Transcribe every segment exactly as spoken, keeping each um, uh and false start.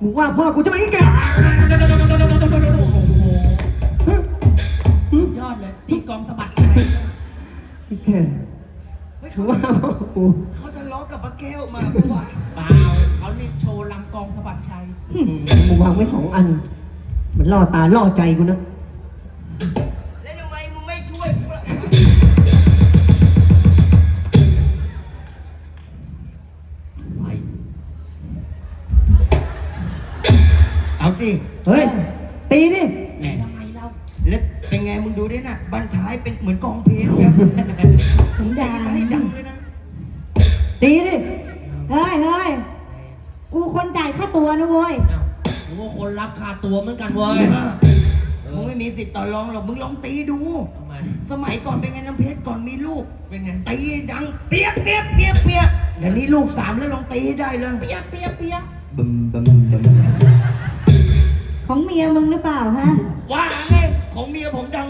มึงว่าพ่อกูจะไม่ให้แกยอดเลยตีกองสะบัดชัยไอ้แกถือว่าพ่อกูเขาจะล้อกับป้าแก้วมาเพราะว่าเปล่าเขานี่โชว์ลำกองสะบัดชัยมึงวางไว้สองอันมันล่อตาล่อใจกูนะแล้วทำไมมึงไม่ช่วยกูล่ะไปเอาดิเฮ้ยตีดิแหมทำไมเราแล้วเป็นไงมึงดูดิน่ะบันท้ายเป็นเหมือนกองเพลงจ้ะสันดาตีนให้ดังเลยนะตีดิเฮ้ยเฮ้ยกูคนจ่ายค่าตัวนะเว้ยอ้าวกูว่าคนรับค่าตัวเหมือนกันเว้ยมึงไม่มีสิทธิ์ต่อรองหรอกมึงลองตีดูทำไมสมัยก่อนเป็นไงน้ำเพชรก่อนมีลูกเป็นไงตีดังเปียกเปียกเปียกเปียกเดี๋ยวนี้ลูกสามแล้วลองตีได้เลยเปียกเปียกเปียกบึมบึมบึมของเมียมึงหรือเปล่าฮะว่าไงของเมียผมดัง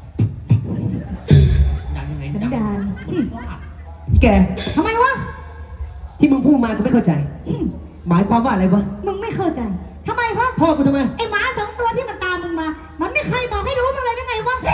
ดังยังไงสันดังดานฟาดแกทำไมวะที่มึงพูดมากูไม่เข้าใจหมายความว่าอะไรวะมึงไม่เข้าใจทำไมครับพ่อกูทำไมไอหมาสองตัวที่มันตามมึงมามันไม่เคยบอกให้รู้มึงเลยยังไงวะ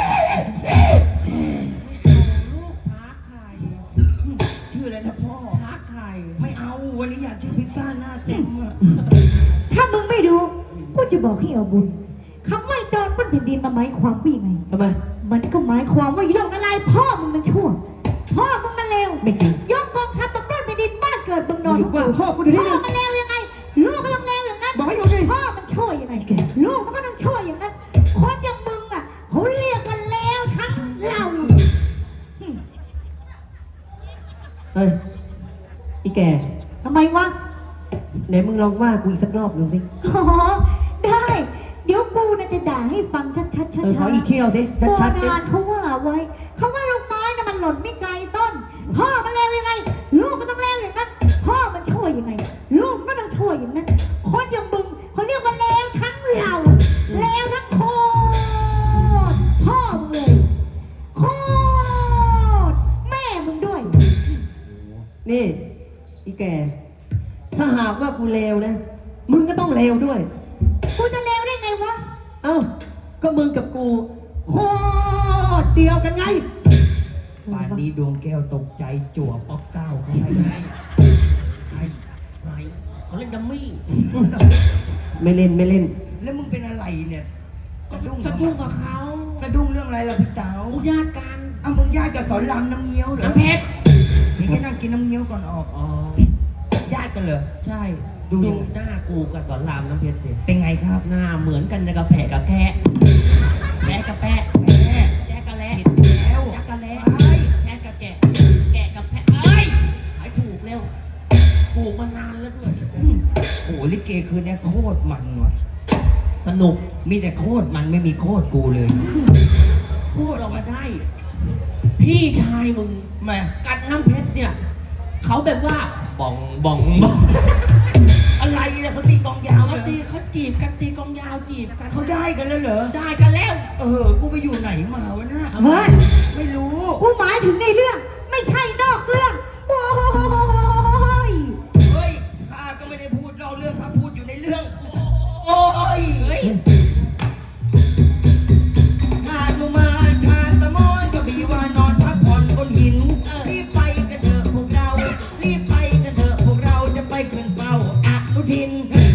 ลูกท้าไข่ชื่ออะไรนะพ่อท้าไข่ไม่เอาวันนี้อยากชื่อพิซซ่าหน้าเต็มอะถ้ามึงไม่ดูกูจะบอกให้เอาบุญคำว่าจอนบนแผ่นดินมันหมายความว่ายังไงทำไมมันก็หมายความว่าย่องอะไรพ่อมึงมันชั่วพ่อมึงมันเลวไม่จริงยกกองทัพมาปล้นแผ่นดินบ้านเกิดมึงนอนหรือว่าพ่อกูดูได้พ่อมันเลวยังไงลูกก็ต้องเลวอย่างนั้นบอกให้ดูดิพ่อมันชั่วยังไงลูกมันก็ต้องชั่วอย่างนั้นคนอย่างมึงอ่ะเขาเรียกมันเลวทั้งเราเฮ้ยอีแกทำไมวะไหนมึงลองว่ากูอีกสักรอบดูสิอ๋อได้เดี๋ยวกูน่ะจะด่าให้ฟังชัดๆชัดๆเออขออีกเที่ยวสิชัดๆโบราณเขาว่าไว้เขาว่าลูกไม้น่ะมันหล่นไม่ไกลต้นพ่อมันเลวยังไงลูกก็ต้องเลวอย่างนั้นพ่อมันช่วยยังไงลูกก็ต้องช่วยอย่างนั้นคนอย่างมึงเขาเรียกว่าเลวทั้งเราเลวทั้งโคตรพ่อมึงเลยโคตรแม่มึงด้วยนี่อีแกถ้าหากว่ากูเลวนะมึงก็ต้องเลวด้วยกูจะเลวได้ไงวะเอ้าก็มึงกับกูโคตรเดียวกันไงป่านนี้ดวงแก้วตกใจจั่วป๊อกเก้าเขาให้ไงไอ้ไอ้เขาเล่นดัมมี่ไม่เล่นไม่เล่นแล้วมึงเป็นอะไรเนี่ยสะดุ้งสะดุ้งกับเขาสะดุ้งเรื่องอะไรล่ะพี่เต๋าญาติกันอ้าวมึงญาติกับสอนรามน้ำเงี้ยวเหรอน้ำเพชรนี่แค่นั่งกินน้ำเงี้ยวก่อนออกอ๋อญาติกันเหรอใช่ดูหน้ากูกับสอนรามน้ำเพชรดิเป็นไงครับหน้าเหมือนกันกับแผลกับแกะแกะกับแปะแม่แกะกับแล้แล้วจักกับแล้แกะกับแกะแกะกับแพะเอ้ยหายถูกเร็วปลูกมานานแล้วด้วยโอ้ลิเกคืนนี้โคตรมันว่ะสนุกมีแต่โคตรมันไม่มีโคตรกูเลยพูดออกมาได้พี่ชายมึงแม่กัดน้ำเพชรเนี่ยเขาแบบว่าบ่องบ่องบ่องอะไรเนี่ยเขาตีกองยาวเขาตีเขาจีบกันตีกองยาวจีบกันเขาได้กันแล้วเหรอได้กันแล้วเออกูไปอยู่ไหนมาวะน่ะเฮ้ยไม่รู้กูหมายถึงในเรื่องไม่ใช่นอกเรื่องโอ้ยเฮ้ยข้าก็ไม่ได้พูดนอกเรื่องข้าพูดอยู่ในเรื่องโอ้ยหาดมุมาชาตะมอนก็บีว่านอนพักผ่อนบนหินรีบไปกันเถอะพวกเรารีบไปกันเถอะพวกเราจะไปขึ้นเฝ้าอนุทิน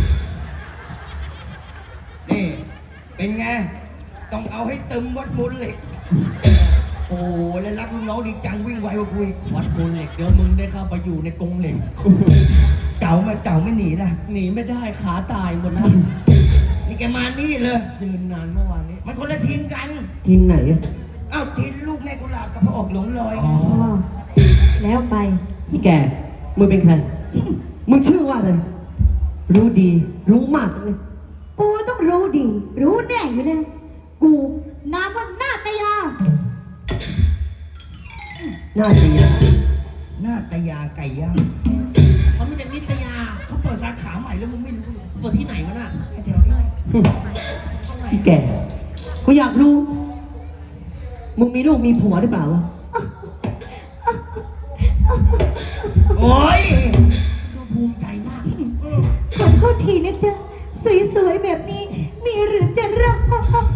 นี่เป็นไงต้องเอาให้ตึมวัดมูลเหล็กโอ้แล้วรักลูกน้องดีจังวิ่งไวกว่ากูอีกวัดมูลเหล็กเดี๋ยวมึงได้เข้าไปอยู่ในกรงเหล็กเก่ามันเก่าไม่หนีล่ะหนีไม่ได้ขาตายหมดนะนี่แกมานี่เลยยืนนานเมื่อวานนี้มันคนละทีมกันทีมไหนอ้าวทีมลูกแม่กุหลาบกับพระอกหลงลอยอ๋อแล้วไปพี่แกมึงเป็นใครมึงชื่อว่าอะไรรู้ดีรู้มากเลยกูต้องรู้ดีรู้แน่อยู่แล้วกูนามว่านาตยาหน้าตีนะหน้าตยาไก่ย่างเขาไม่ใช่นิตยาเขาเปิดสาขาใหม่แล้วมึงไม่รู้เลยเปิดที่ไหนวะน่ะแถวนี้พี่แกกูอยากรู้มึงมีลูกมีผัวหรือเปล่าวะโอ้ยดูภูมิใจมากขอโทษทีนะจ๊ะสวยๆแบบนี้ มีหรือจะรอด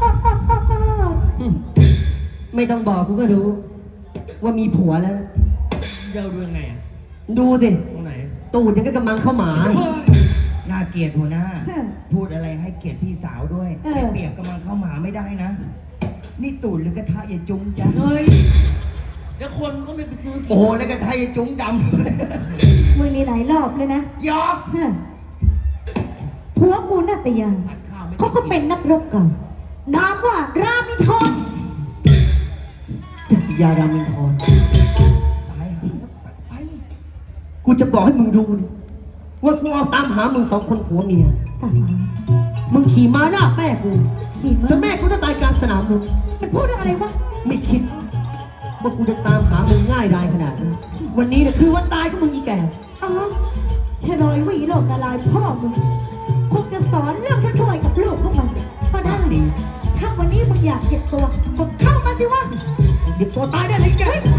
ไม่ต้องบอกกูก็รู้ ว่ามีผัวแล้วเดี๋ยวดูยังไงอะดูสิตรงไหนตูดยังก็กำลังเข้าหมาน่าเกลียดหัวหน้า พูดอะไรให้เกียรติพี่สาวด้วยไปเปรียบกับมันเข้าหมาไม่ได้นะ นี่ตูดหรือกระทะยายจุ้งจ้ะเฮ้ยเดี๋ยวคนก็ไม่ไปซื้อกินโอ้โหแล้วกระทะยายจุ้งดมึงมีหลายรอบเลยนะำ ยอกฮะผัวกูนาตยาผัดข้าวไม่ได้เขาก็เป็นนักรบเก่า นามว่ารามินทรจัตติยารามินทรตายหาแล้วไปไปกูจะบอกให้มึงดูดิว่ากูเอาตามหามึงสองคนผัวเมียตามมามึงขี่ม้าหน้าแม่กูขี่จมานแม่กูต้องตายกลางสนามมึงมันพูดเรื่องอะไรวะไม่คิดว่ากูจะตามหามึงง่ายดายขนาดนี้วันนี้เนี่ยคือวันตายของมึงอีแก่อ๋อชะลอยหวีโลกนาลายพ่อมึงคงจะสอนเรื่องช่วยๆกับลูกของมันก็ได้ ถ้าวันนี้มึงอยากเจ็บตัวก็เข้ามาสิวะเดี๋ยวตัวตายได้เลยแกเฮ้ย